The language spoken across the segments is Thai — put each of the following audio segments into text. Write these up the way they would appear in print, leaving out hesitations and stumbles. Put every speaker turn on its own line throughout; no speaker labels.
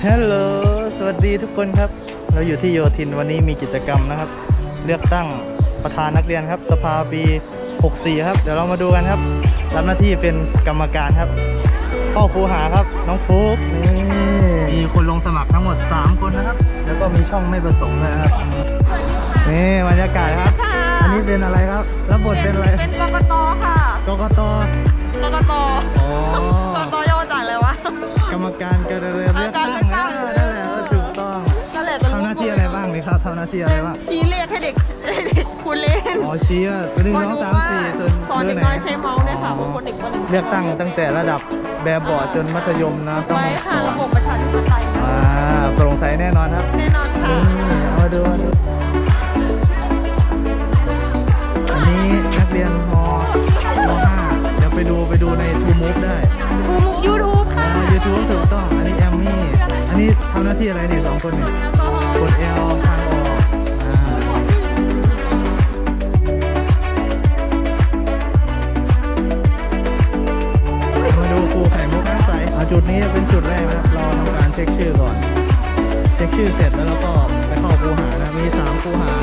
ฮัลโหลสวัสดีทุกคนครับเราอยู่ที่โยธินวันนี้มีกิจกรรมนะครับเลือกตั้งประธานนักเรียนครับสภาปี64ครับเดี๋ยวเรามาดูกันครับรับหน้าที่เป็นกรรมการครับพ่อครูหาครับน้องฟุ๊กมีคนลงสมัครทั้งหมด3คนนะครับแล้วก็มีช่องไม่ประสงค์เลยนะครับนี่บรรยากาศครับอันนี้เป็นอะไรครับรับบทเป็นอะไร
เป็นกกตค่ะ
กกต
กกต
อ๋อก
กตย่อมาจากอะไรวะ
กรรมการการเลือกตั้งนั่นแหละถูกต้องทำหน้าที่อะไรบ้างเลยครับทำหน้าที่อะไรบ้าง
ชี้เลขให้เด็กคุณเล่น
อ๋อชี้ว่า1 2 3 4
สอนเด็กน้อยใช้เมาส์เนี่ยค่ะบางคนเด็กคนหนึ่ง
เลือกตั้งตั้งแต่ระดับแบบเบาะจนมัธยมนะต้อง
ไว้ค่ะระบบประชาธิปไตย
โปร่งใสแน่นอนครับ
แน่นอนค่ะ
เอามาดูอันนี้นักเรียนม.5 เดี๋ยวไปดูใน TrueMove ได้
YouTube ค่ะ
YouTube ถูกต้องอันนี้แอมมี่อันนี้ทำหน้าที่อะไรเนี่ย2 คนเนี่ยกด L ทางออกมาดูครูไข่มุกน้ำใสจุดนี้เป็นจุดแรกนะครับเราทำการเช็คชื่อก่อนเช็คชื่อเสร็จแล้วเราก็ไปเข้าครูหานะมี3ครูหา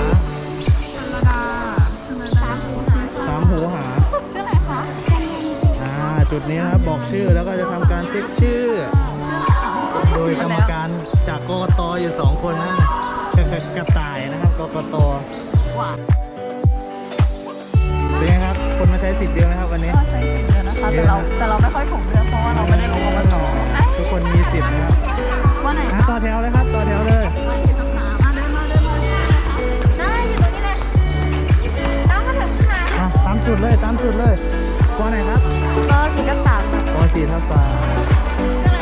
3หูหา
ชื่ออะไรคะ
จุดนี้นะครับบอกชื่อแล้วก็จะทำการเช็คชื่อโดยกรรมการจากกกตอยู่2 คนนะกระต่ายนะครับกกตเป็นไงครับคนมาใช้สิทธิ์เยอะไหมครับวันนี้
ก็ใช้สิทธิ์เยอะนะคะแต่เราไม่ค่อยถูกเลือกเพราะว่าเราไม่ได้ลงกกต
ทุกคนมีสิทธิ์นะครับ
วันไหน
ต่อแถวเลยครับต่อแถวเลย
ได้อยู่ตรงนี้เลยตามมาถึงค่ะ
ตามจุดเลยป.ไหนครับ
ป.4 ทับ 3
ป.4 ทับ 3
ชื่ออะไร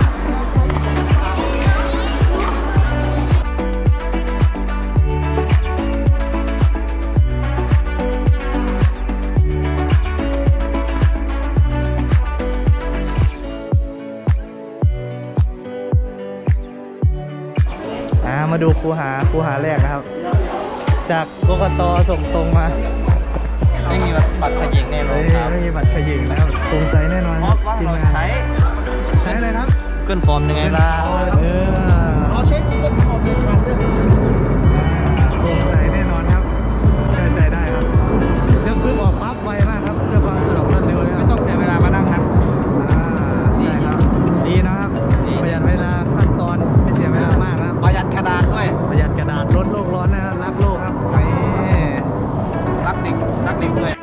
คะมาดูครูหาแรกนะครับจากกกตส่งตรงมา
ไม่มีบัตรขยิงแน่นอนครับ
ไม่มีบัตรขยิงนะครับโปร่งใสแน่นอน
ทีมงาน
ใช้อะไรครับ
เกินฟอร์มยังไงล่ะ
เราเช็คเกินฟอร์มในการเลือกโปร่งใสแน่นอนครับเชื่อใจได้ครับเลือกปุ๊บออกปั๊บไวมากครับเพื่อความสะดวกรวดเร็วเลย
ไม่ต้องเสียเวลามานั่งนับ
ดีครับดีนะครับประหยัดเวลาขั้นตอนไม่เสียเวลามากครับ
ประหยัดกระดาษด้วย
ประหยัดกระดาษลดโลกร้อนนะครับรักโลกครับ
รักเด็กด้วย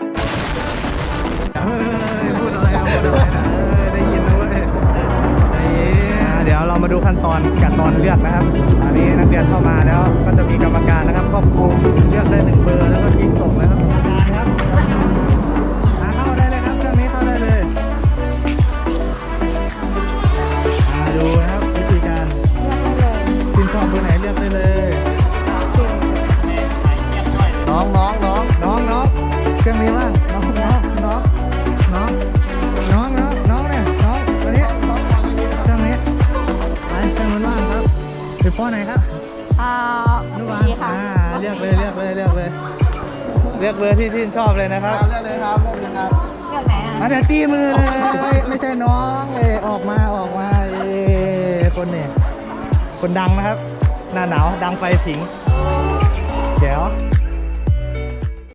พูดอะไรนะได้ยินด้วยเดี๋ยวเรามาดูขั้นตอนการตอนเลือกนะครับอันนี้นักเรียนเข้ามาแล้วก็จะมีกรรมการนะครับครอบคลุมเลือกได้1 เบอร์แล้วก็คลิกส่งนะครับเข้าได้เลยครับเครื่องนี้เข้าได้เลยดูนะครับวิธีการชื่นชอบเบอร์ไหนเลือกได้เลยน้องเครื่องนี้ว่างน้องเนี่ยน้องตัวนี้เครื่องนี้ไปเครื่องมันว่างครับอยู่ป.ไหนครับ
4ค่ะ
เลือกเลยเลือกเบอร์ที่ชื่นชอบเลยนะครับ
เลือกเลยครับเลือก
ไหน
เดี๋ยวตีมือเลยไม่ใช่น้องเลยออกมาคนนี่คนดังนะครับหน้าหนาวดังไฟผิงเดี๋ยว